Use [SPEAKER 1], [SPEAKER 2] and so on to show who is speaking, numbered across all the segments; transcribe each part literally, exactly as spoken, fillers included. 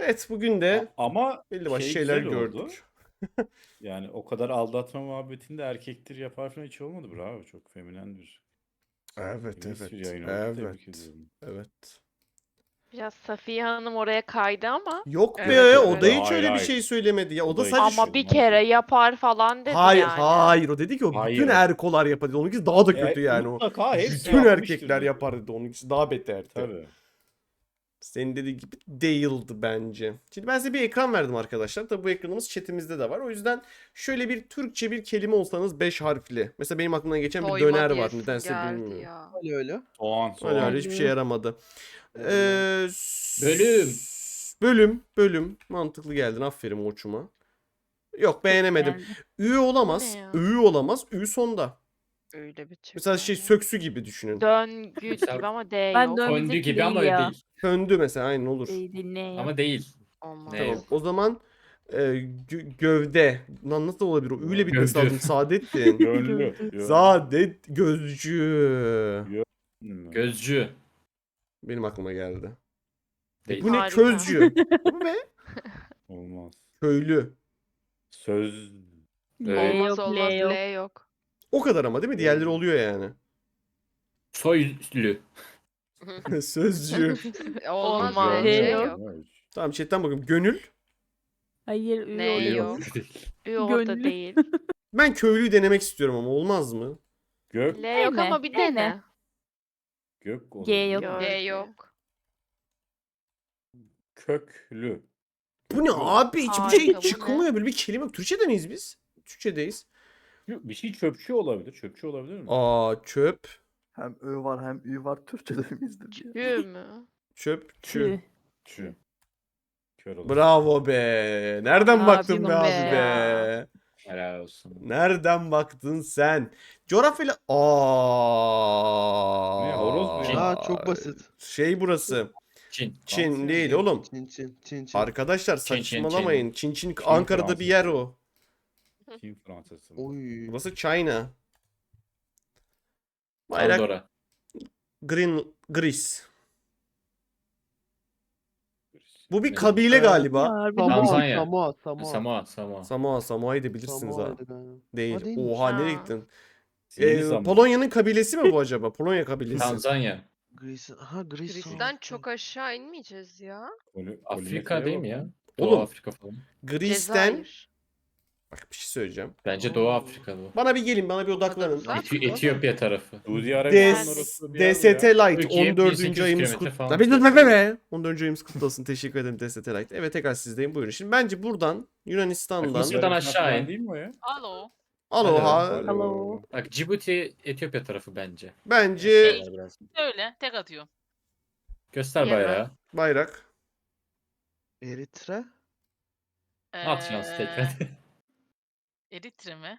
[SPEAKER 1] Evet, bugün de
[SPEAKER 2] A- Ama
[SPEAKER 1] belli başlı
[SPEAKER 2] şey
[SPEAKER 1] şeyler
[SPEAKER 2] güzel oldu.
[SPEAKER 1] gördük.
[SPEAKER 2] Yani o kadar aldatma muhabbetinde erkektir yapar falan hiç olmadı. Bravo. Çok feminen bir
[SPEAKER 1] Evet,
[SPEAKER 2] feminist bir
[SPEAKER 1] evet,
[SPEAKER 2] yayın oldu. Tebrik
[SPEAKER 1] evet,
[SPEAKER 2] ediyorum.
[SPEAKER 1] evet.
[SPEAKER 3] Biraz Safiye Hanım oraya kaydı ama.
[SPEAKER 1] Yok be,
[SPEAKER 3] Evet,
[SPEAKER 1] o da
[SPEAKER 3] evet.
[SPEAKER 1] hiç
[SPEAKER 2] Hayır,
[SPEAKER 1] öyle bir
[SPEAKER 2] hayır.
[SPEAKER 1] şey söylemedi ya. O
[SPEAKER 2] O
[SPEAKER 1] da
[SPEAKER 2] da hiç
[SPEAKER 1] sadece
[SPEAKER 3] Ama
[SPEAKER 1] şu...
[SPEAKER 3] bir
[SPEAKER 2] olmaz
[SPEAKER 3] kere
[SPEAKER 2] öyle.
[SPEAKER 3] yapar falan dedi
[SPEAKER 1] Hayır,
[SPEAKER 3] yani.
[SPEAKER 1] hayır. O dedi ki o bütün
[SPEAKER 2] Hayır.
[SPEAKER 1] erkolar yapar dedi. Onunkisi daha da kötü
[SPEAKER 2] E,
[SPEAKER 1] yani o.
[SPEAKER 2] mutlaka hepsi
[SPEAKER 1] Bütün
[SPEAKER 2] yapmıştır
[SPEAKER 1] erkekler
[SPEAKER 2] dedi.
[SPEAKER 1] yapar dedi. Onunkisi daha beterdi.
[SPEAKER 2] Tabii.
[SPEAKER 1] Senin dediği gibi değildi bence. Şimdi ben size bir ekran verdim arkadaşlar. Tabi bu ekranımız chatimizde de var. O yüzden şöyle bir Türkçe bir kelime olsanız beş harfli. Mesela benim aklımdan geçen bir
[SPEAKER 4] Doyma
[SPEAKER 1] döner var.
[SPEAKER 4] diyesim
[SPEAKER 1] Nedense
[SPEAKER 4] geldi
[SPEAKER 1] bilmiyorum.
[SPEAKER 4] ya.
[SPEAKER 5] Öyle öyle.
[SPEAKER 2] Soğan
[SPEAKER 1] Öyle
[SPEAKER 2] soğan.
[SPEAKER 1] öyle hiçbir şey yaramadı. Ee, s-
[SPEAKER 6] Bölüm.
[SPEAKER 1] Bölüm. Bölüm. Mantıklı geldin. Aferin Orçun'a. Yok, beğenemedim.
[SPEAKER 7] Geldi.
[SPEAKER 1] Ü olamaz.
[SPEAKER 3] Bu ne ya?
[SPEAKER 1] Ü olamaz. Ü sonda.
[SPEAKER 4] Öyle bir Türk
[SPEAKER 1] Mesela
[SPEAKER 4] var
[SPEAKER 1] şey
[SPEAKER 4] ya.
[SPEAKER 1] söksü gibi düşünün.
[SPEAKER 3] Döngü
[SPEAKER 6] Mesela
[SPEAKER 3] gibi ama D
[SPEAKER 7] Ben
[SPEAKER 3] yok.
[SPEAKER 7] dön-
[SPEAKER 6] Fondü
[SPEAKER 7] Önümüzdeki
[SPEAKER 6] gibi ama
[SPEAKER 7] değil ya.
[SPEAKER 6] değil.
[SPEAKER 1] Söndü mesela, aynen olur.
[SPEAKER 7] Değil, değil, ne ya?
[SPEAKER 6] Ama değil.
[SPEAKER 4] Olmaz.
[SPEAKER 6] Ne
[SPEAKER 1] Tamam.
[SPEAKER 6] yok.
[SPEAKER 1] O zaman e, gö- gövde. Lan nasıl olabilir o? Üyle bitmesi
[SPEAKER 6] Gövde.
[SPEAKER 1] lazım. Saadettin.
[SPEAKER 2] Gönlü. Gönlü.
[SPEAKER 1] Saadet gözcü.
[SPEAKER 2] Gönlü.
[SPEAKER 6] Gözcü.
[SPEAKER 1] Benim aklıma geldi. E,
[SPEAKER 6] Değil.
[SPEAKER 1] bu ne?
[SPEAKER 3] Harika.
[SPEAKER 1] Közcü. Bu ne?
[SPEAKER 2] Olmaz.
[SPEAKER 1] Köylü.
[SPEAKER 2] Söz.
[SPEAKER 7] L
[SPEAKER 4] Olmaz
[SPEAKER 7] yok,
[SPEAKER 4] olmaz
[SPEAKER 7] L yok.
[SPEAKER 4] L yok.
[SPEAKER 1] O kadar ama değil mi? Diğerleri oluyor yani.
[SPEAKER 6] Soylü.
[SPEAKER 1] Sözcü.
[SPEAKER 4] Olmaz
[SPEAKER 3] Olmaz.
[SPEAKER 4] L
[SPEAKER 7] L
[SPEAKER 4] yok.
[SPEAKER 7] yok.
[SPEAKER 1] Tamam, chatten bakıyorum. Gönül.
[SPEAKER 7] Hayır, Ü
[SPEAKER 4] Ne
[SPEAKER 7] oluyor.
[SPEAKER 4] yok?
[SPEAKER 3] Ü orada
[SPEAKER 7] Gönlü.
[SPEAKER 3] değil.
[SPEAKER 1] Ben köylüyü denemek istiyorum ama olmaz mı?
[SPEAKER 2] Gök.
[SPEAKER 3] L yok
[SPEAKER 7] Dene,
[SPEAKER 3] ama bir
[SPEAKER 7] dene.
[SPEAKER 3] dene.
[SPEAKER 2] Gök
[SPEAKER 7] G
[SPEAKER 2] olabilir.
[SPEAKER 7] yok.
[SPEAKER 3] Gör.
[SPEAKER 4] G yok.
[SPEAKER 2] Köklü.
[SPEAKER 1] Bu ne
[SPEAKER 2] Köklü.
[SPEAKER 1] abi? Hiçbir
[SPEAKER 3] Harika,
[SPEAKER 1] şey
[SPEAKER 3] bu
[SPEAKER 1] çıkmıyor. Böyle bir kelime yok. Türkçe'de miyiz biz? Türkçedeyiz.
[SPEAKER 2] Bir şey çöpçü olabilir. Çöpçü olabilir mi?
[SPEAKER 1] Aa, çöp.
[SPEAKER 5] Hem Ö var hem Ü var. Türkçe'de miyizdir diye.
[SPEAKER 3] Ü mü?
[SPEAKER 1] Çöp. Çü.
[SPEAKER 7] Tüh.
[SPEAKER 2] Çö. Kör olur.
[SPEAKER 1] Bravo be. Nereden
[SPEAKER 3] Abim
[SPEAKER 1] baktın be
[SPEAKER 3] be
[SPEAKER 1] abi
[SPEAKER 3] ya.
[SPEAKER 1] be?
[SPEAKER 6] Helal olsun.
[SPEAKER 1] Nereden baktın sen? Coğrafyayla... Aa.
[SPEAKER 2] Ne, horoz mu ya?
[SPEAKER 5] Aa çok basit.
[SPEAKER 1] Şey burası.
[SPEAKER 6] Çin.
[SPEAKER 1] Çin
[SPEAKER 2] Fransa
[SPEAKER 1] değil
[SPEAKER 2] mı?
[SPEAKER 1] oğlum.
[SPEAKER 5] Çin Çin Çin Çin.
[SPEAKER 1] Arkadaşlar
[SPEAKER 6] Çin, Çin,
[SPEAKER 1] saçmalamayın. Çin Çin,
[SPEAKER 2] Çin
[SPEAKER 1] Ankara'da bir
[SPEAKER 2] Fransız.
[SPEAKER 1] yer o.
[SPEAKER 2] Çin Fransası.
[SPEAKER 5] Oy.
[SPEAKER 1] Burası China. Bayrak
[SPEAKER 6] Pandora.
[SPEAKER 1] Green Gris. Bu bir
[SPEAKER 6] Ne?
[SPEAKER 1] kabile galiba.
[SPEAKER 7] Harbi
[SPEAKER 5] Samoa,
[SPEAKER 6] Tanzanya.
[SPEAKER 5] Samoa, Samoa.
[SPEAKER 6] Samoa. Samoa.
[SPEAKER 1] Samoa, Samoa'yı da bilirsiniz ha.
[SPEAKER 5] Samoa'ydı galiba.
[SPEAKER 1] Değil.
[SPEAKER 5] Ha, değilmiş.
[SPEAKER 1] Oha, nereye
[SPEAKER 3] Ha.
[SPEAKER 1] gittin?
[SPEAKER 2] Yeni
[SPEAKER 1] Ee,
[SPEAKER 2] zaman.
[SPEAKER 1] Polonya'nın kabilesi mi bu acaba? Polonya kabilesi.
[SPEAKER 6] Tanzanya.
[SPEAKER 5] Greece. Ha Greece.
[SPEAKER 4] Greece'den çok aşağı inmeyeceğiz ya.
[SPEAKER 2] Poli-
[SPEAKER 6] Afrika
[SPEAKER 2] Polinezya'ya
[SPEAKER 6] değil
[SPEAKER 2] bak
[SPEAKER 6] mi ya?
[SPEAKER 2] lan.
[SPEAKER 6] Doğu
[SPEAKER 1] Oğlum.
[SPEAKER 6] Afrika falan.
[SPEAKER 1] Greece'den...
[SPEAKER 4] Cezayir.
[SPEAKER 1] Bak, bir şey söyleyeceğim.
[SPEAKER 6] Bence Doğu
[SPEAKER 5] Oo.
[SPEAKER 6] Afrika bu.
[SPEAKER 1] Bana bir gelin, bana bir odaklanın.
[SPEAKER 4] Uzak.
[SPEAKER 6] Eti- Etiyopya tarafı.
[SPEAKER 2] Suudi Arabistan'ın
[SPEAKER 1] DS,
[SPEAKER 2] orası bir yer mi
[SPEAKER 1] D S T
[SPEAKER 2] ya?
[SPEAKER 1] Light
[SPEAKER 6] Türkiye
[SPEAKER 1] on dördüncü
[SPEAKER 6] bin sekiz yüz
[SPEAKER 1] ayımız
[SPEAKER 6] kilometre
[SPEAKER 1] kutlu.
[SPEAKER 6] falan.
[SPEAKER 1] Tabii dur be be. on dördüncü ayımız kutlu olsun. Teşekkür ederim D S T Light. Evet, tekrar sizdeyim. Buyurun. Şimdi bence buradan Yunanistan'dan
[SPEAKER 6] Mısır'dan aşağı
[SPEAKER 2] falan
[SPEAKER 6] in.
[SPEAKER 2] değil mi o ya?
[SPEAKER 8] Alo.
[SPEAKER 1] Aloha.
[SPEAKER 7] Alo.
[SPEAKER 6] Bak Cibuti Etiyopya tarafı bence.
[SPEAKER 1] Bence
[SPEAKER 8] Şey-
[SPEAKER 6] Biraz.
[SPEAKER 8] Öyle tek atıyor.
[SPEAKER 6] Göster
[SPEAKER 3] Yemen.
[SPEAKER 6] bayrağı.
[SPEAKER 1] bayrak.
[SPEAKER 5] Eritre.
[SPEAKER 6] At şansı tekrar.
[SPEAKER 8] Eritre mi?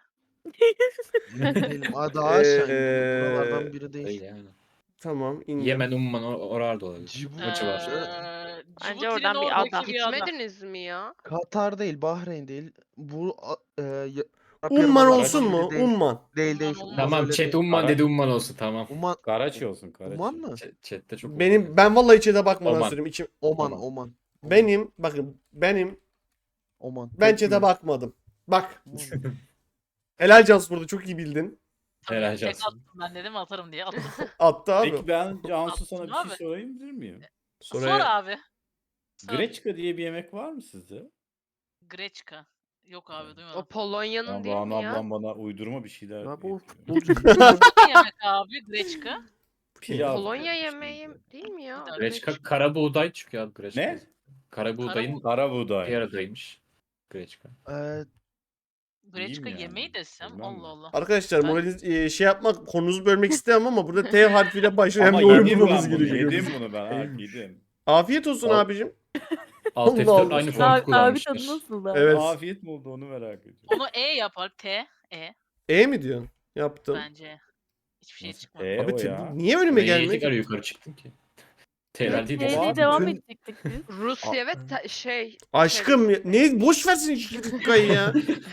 [SPEAKER 5] Değilim. Aa daha aşağı
[SPEAKER 1] Ee,
[SPEAKER 5] indim. Buralardan biri
[SPEAKER 6] Değil
[SPEAKER 5] değil.
[SPEAKER 6] yani.
[SPEAKER 1] Tamam, indim.
[SPEAKER 6] Yemen, Umman or- oralarda olabilir.
[SPEAKER 5] Cibuti.
[SPEAKER 6] Maçı var.
[SPEAKER 8] Ee,
[SPEAKER 3] Bence
[SPEAKER 8] Cibuti'nin
[SPEAKER 3] oradan bir
[SPEAKER 8] oradaki
[SPEAKER 3] ada.
[SPEAKER 8] bir ada.
[SPEAKER 4] Gitmediniz mi ya?
[SPEAKER 5] Katar değil, Bahreyn değil. Bu a- e, ya- Arap
[SPEAKER 1] Umman
[SPEAKER 5] Yarımadası'ndan
[SPEAKER 1] olsun
[SPEAKER 5] biri
[SPEAKER 1] mu?
[SPEAKER 5] Değil,
[SPEAKER 1] Umman.
[SPEAKER 5] değil. değil.
[SPEAKER 8] Umman
[SPEAKER 6] Tamam
[SPEAKER 5] öyle
[SPEAKER 6] chat
[SPEAKER 5] değil.
[SPEAKER 6] Umman
[SPEAKER 2] Ara-
[SPEAKER 6] dedi Umman olsun tamam.
[SPEAKER 5] Umman.
[SPEAKER 2] Karaçi olsun Karaçi.
[SPEAKER 5] Umman mı?
[SPEAKER 6] Ch- Chat'te çok
[SPEAKER 1] Benim
[SPEAKER 6] Umman
[SPEAKER 1] ben vallahi chat'e bakmadan
[SPEAKER 6] Oman.
[SPEAKER 1] söyleyeyim. İçim,
[SPEAKER 5] Oman,
[SPEAKER 6] Oman.
[SPEAKER 5] Oman.
[SPEAKER 1] benim bakın benim
[SPEAKER 5] Oman.
[SPEAKER 1] ben
[SPEAKER 5] Tek
[SPEAKER 1] chat'e
[SPEAKER 5] mi?
[SPEAKER 1] bakmadım. Bak.
[SPEAKER 5] Oman.
[SPEAKER 1] Helal Cansu, burada çok iyi bildin.
[SPEAKER 8] Tabii,
[SPEAKER 6] Helal
[SPEAKER 8] tek
[SPEAKER 6] olsun.
[SPEAKER 8] attım ben dedim atarım diye attım.
[SPEAKER 1] Attı abi.
[SPEAKER 2] Peki ben Cansu sana bir
[SPEAKER 8] Abi.
[SPEAKER 2] şey sorayım bilir miyim?
[SPEAKER 8] Sor
[SPEAKER 1] Sonra
[SPEAKER 8] abi. Sor.
[SPEAKER 2] Greçka diye bir yemek var mı sizde?
[SPEAKER 8] Greçka. Yok abi
[SPEAKER 4] O
[SPEAKER 8] duymadım.
[SPEAKER 4] Polonya'nın
[SPEAKER 2] Ya
[SPEAKER 4] değil
[SPEAKER 2] Banu
[SPEAKER 4] mi ya?
[SPEAKER 2] ablam bana uydurma bir şeyler
[SPEAKER 5] Ya bu
[SPEAKER 2] yapıyor.
[SPEAKER 5] futbolcu.
[SPEAKER 8] Ne yemek abi Greçka?
[SPEAKER 2] Pilav
[SPEAKER 4] Polonya
[SPEAKER 2] yapıyor
[SPEAKER 4] yemeği
[SPEAKER 2] şimdi.
[SPEAKER 4] değil mi ya?
[SPEAKER 8] Bir
[SPEAKER 6] Greçka
[SPEAKER 8] Greçka.
[SPEAKER 6] kara buğday çıkıyor abi Greçka.
[SPEAKER 2] Ne?
[SPEAKER 6] Kara buğdayın
[SPEAKER 2] Kara buğday.
[SPEAKER 6] bir aradaymış. Greçka.
[SPEAKER 5] Ee,
[SPEAKER 8] Greçka
[SPEAKER 2] yani,
[SPEAKER 8] yemeği desem
[SPEAKER 2] bilmem
[SPEAKER 8] Allah
[SPEAKER 2] mi?
[SPEAKER 8] Allah.
[SPEAKER 1] arkadaşlar
[SPEAKER 8] Ben-
[SPEAKER 1] moraliniz e, şey yapmak, konunuzu bölmek istemem ama burada T harfiyle başlayan
[SPEAKER 2] Ama
[SPEAKER 1] bir oyun
[SPEAKER 2] yedim
[SPEAKER 1] bulmamız
[SPEAKER 2] ben bunu.
[SPEAKER 1] gerekiyor.
[SPEAKER 2] Yedim bunu ben. Harbi yedim.
[SPEAKER 1] Afiyet olsun
[SPEAKER 6] Al.
[SPEAKER 1] abicim.
[SPEAKER 6] Alt
[SPEAKER 1] Allah
[SPEAKER 6] F dört
[SPEAKER 1] Allah.
[SPEAKER 6] aynı
[SPEAKER 7] Abi,
[SPEAKER 6] fontu
[SPEAKER 7] abi tadı
[SPEAKER 6] kullanmışlar.
[SPEAKER 7] nasıl da?
[SPEAKER 1] Evet.
[SPEAKER 2] Afiyet mi oldu onu merak ediyorum.
[SPEAKER 8] Onu E yapar. T. E.
[SPEAKER 1] E mi diyorsun? Yaptım.
[SPEAKER 8] Bence. Hiçbir şey
[SPEAKER 2] Nasıl
[SPEAKER 8] çıkmadı.
[SPEAKER 2] E
[SPEAKER 1] Abi
[SPEAKER 2] o
[SPEAKER 1] te-
[SPEAKER 2] ya?
[SPEAKER 1] bu niye önüme
[SPEAKER 6] Ben
[SPEAKER 1] gelmiyor
[SPEAKER 6] yedik ara
[SPEAKER 1] ki?
[SPEAKER 6] yukarı çıktım ki. T'ler değil.
[SPEAKER 7] T'yle
[SPEAKER 2] Abi,
[SPEAKER 7] devam
[SPEAKER 5] bütün-
[SPEAKER 7] edecektik biz.
[SPEAKER 4] Rusya ve ta- şey.
[SPEAKER 1] Aşkım ya- ne boş versin iki dakikayı ya.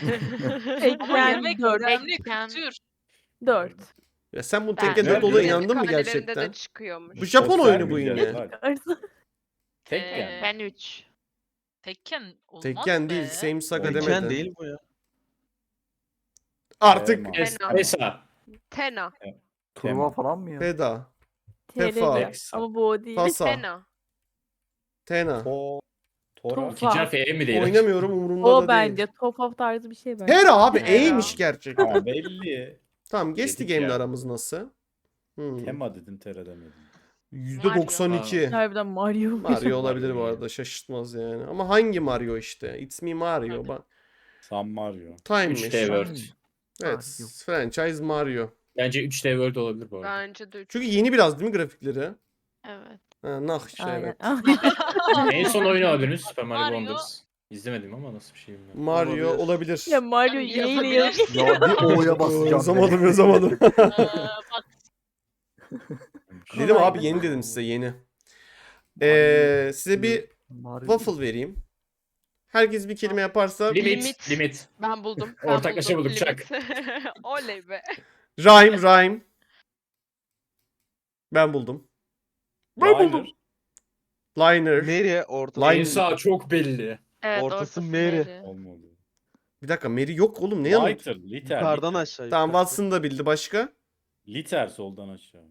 [SPEAKER 8] Ama
[SPEAKER 7] Ekran
[SPEAKER 8] yemek
[SPEAKER 7] dört.
[SPEAKER 8] önemli
[SPEAKER 3] Ekran.
[SPEAKER 8] kültür.
[SPEAKER 7] Dört.
[SPEAKER 1] Ya sen bu
[SPEAKER 3] Ben-
[SPEAKER 1] tekken
[SPEAKER 2] Nerede?
[SPEAKER 1] dört olayı
[SPEAKER 4] Kendi
[SPEAKER 1] inandın mı
[SPEAKER 4] kalelerinde
[SPEAKER 1] gerçekten?
[SPEAKER 4] de çıkıyormuş.
[SPEAKER 1] Bu Japon
[SPEAKER 2] Göster
[SPEAKER 1] oyunu bu
[SPEAKER 2] mi
[SPEAKER 1] yine.
[SPEAKER 2] bize? Bak, Tekken.
[SPEAKER 3] Ben üç.
[SPEAKER 8] Tekken olmaz
[SPEAKER 1] Tekken değil.
[SPEAKER 8] be.
[SPEAKER 1] Same Saga
[SPEAKER 2] Tekken
[SPEAKER 5] Tekken
[SPEAKER 1] demedi.
[SPEAKER 5] değil bu ya.
[SPEAKER 1] Artık
[SPEAKER 2] Ee,
[SPEAKER 6] Es
[SPEAKER 4] Fena.
[SPEAKER 6] Esa.
[SPEAKER 4] Tena.
[SPEAKER 9] Turnuva
[SPEAKER 2] Tema.
[SPEAKER 9] falan mı ya?
[SPEAKER 1] Feda.
[SPEAKER 7] T R
[SPEAKER 1] Tefa.
[SPEAKER 7] D. Ama bu o değil.
[SPEAKER 1] Fasa.
[SPEAKER 4] Tena.
[SPEAKER 1] Tena.
[SPEAKER 2] To Tora.
[SPEAKER 7] Tofa.
[SPEAKER 6] İkinci harfi E mi değil?
[SPEAKER 1] Oynamıyorum, umurumda
[SPEAKER 7] O
[SPEAKER 1] da
[SPEAKER 7] bence.
[SPEAKER 1] değil.
[SPEAKER 7] Top of tarzı bir şey bence.
[SPEAKER 1] Hera abi
[SPEAKER 4] Hera.
[SPEAKER 1] E'ymiş gerçekten.
[SPEAKER 2] Ha, belli.
[SPEAKER 1] Tamam, geçti
[SPEAKER 6] Dedik
[SPEAKER 1] game'le
[SPEAKER 6] ya.
[SPEAKER 1] aramız nasıl? Hmm.
[SPEAKER 2] Tema dedin, Tera demedin.
[SPEAKER 1] yüzde doksan iki.
[SPEAKER 7] Harbiden Mario.
[SPEAKER 1] Mario olabilir bu
[SPEAKER 2] Mario
[SPEAKER 1] arada, şaşırtmaz yani. Ama hangi Mario işte? It's me Mario. Ba-
[SPEAKER 2] San Mario.
[SPEAKER 1] Time'miş.
[SPEAKER 6] üç D World.
[SPEAKER 1] Evet,
[SPEAKER 9] Mario.
[SPEAKER 1] franchise Mario.
[SPEAKER 6] Bence üç D World olabilir bu arada.
[SPEAKER 4] Bence de üç.
[SPEAKER 1] Çünkü yeni biraz değil mi grafikleri?
[SPEAKER 3] Evet.
[SPEAKER 1] Ha, nah işte
[SPEAKER 7] Aynen.
[SPEAKER 1] evet.
[SPEAKER 6] En son oyunu oynadınız Super Mario,
[SPEAKER 8] Mario.
[SPEAKER 6] Wonders. İzlemedim ama nasıl bir şey bilmiyorum.
[SPEAKER 1] Mario
[SPEAKER 9] Olabilir.
[SPEAKER 1] olabilir.
[SPEAKER 7] Ya Mario
[SPEAKER 8] Tabii
[SPEAKER 7] yine yine
[SPEAKER 8] yazabilir.
[SPEAKER 7] yazıyor.
[SPEAKER 9] Ya bir O'ya basacağım.
[SPEAKER 1] Yazamadım yazamadım.
[SPEAKER 8] Ee, bak
[SPEAKER 1] Dedim
[SPEAKER 7] Kolay
[SPEAKER 1] abi
[SPEAKER 7] be.
[SPEAKER 1] yeni dedim size yeni. Ee, size bir
[SPEAKER 9] Mario-
[SPEAKER 1] waffle vereyim. Herkes bir kelime yaparsa
[SPEAKER 6] Limit.
[SPEAKER 4] Limit.
[SPEAKER 6] Limit.
[SPEAKER 4] Ben buldum. Ben
[SPEAKER 6] Ortaklaşa
[SPEAKER 4] buldum.
[SPEAKER 6] bulduk, çak.
[SPEAKER 4] Limit. Oley be.
[SPEAKER 1] rhyme rhyme. Ben buldum.
[SPEAKER 2] Ben buldum.
[SPEAKER 1] Liner.
[SPEAKER 5] Mary ortası.
[SPEAKER 1] Line-
[SPEAKER 6] En sağ çok belli.
[SPEAKER 3] Evet,
[SPEAKER 5] Ortası
[SPEAKER 3] ortası
[SPEAKER 5] Mary.
[SPEAKER 3] Mary.
[SPEAKER 2] Olmadı.
[SPEAKER 1] Bir dakika, Mary yok oğlum, ne yanı?
[SPEAKER 2] Lighter, liter.
[SPEAKER 5] Yukarıdan
[SPEAKER 2] liter.
[SPEAKER 5] aşağı.
[SPEAKER 1] Tamam,
[SPEAKER 5] yukarı.
[SPEAKER 1] Watson da bildi, başka?
[SPEAKER 2] Liter soldan aşağı.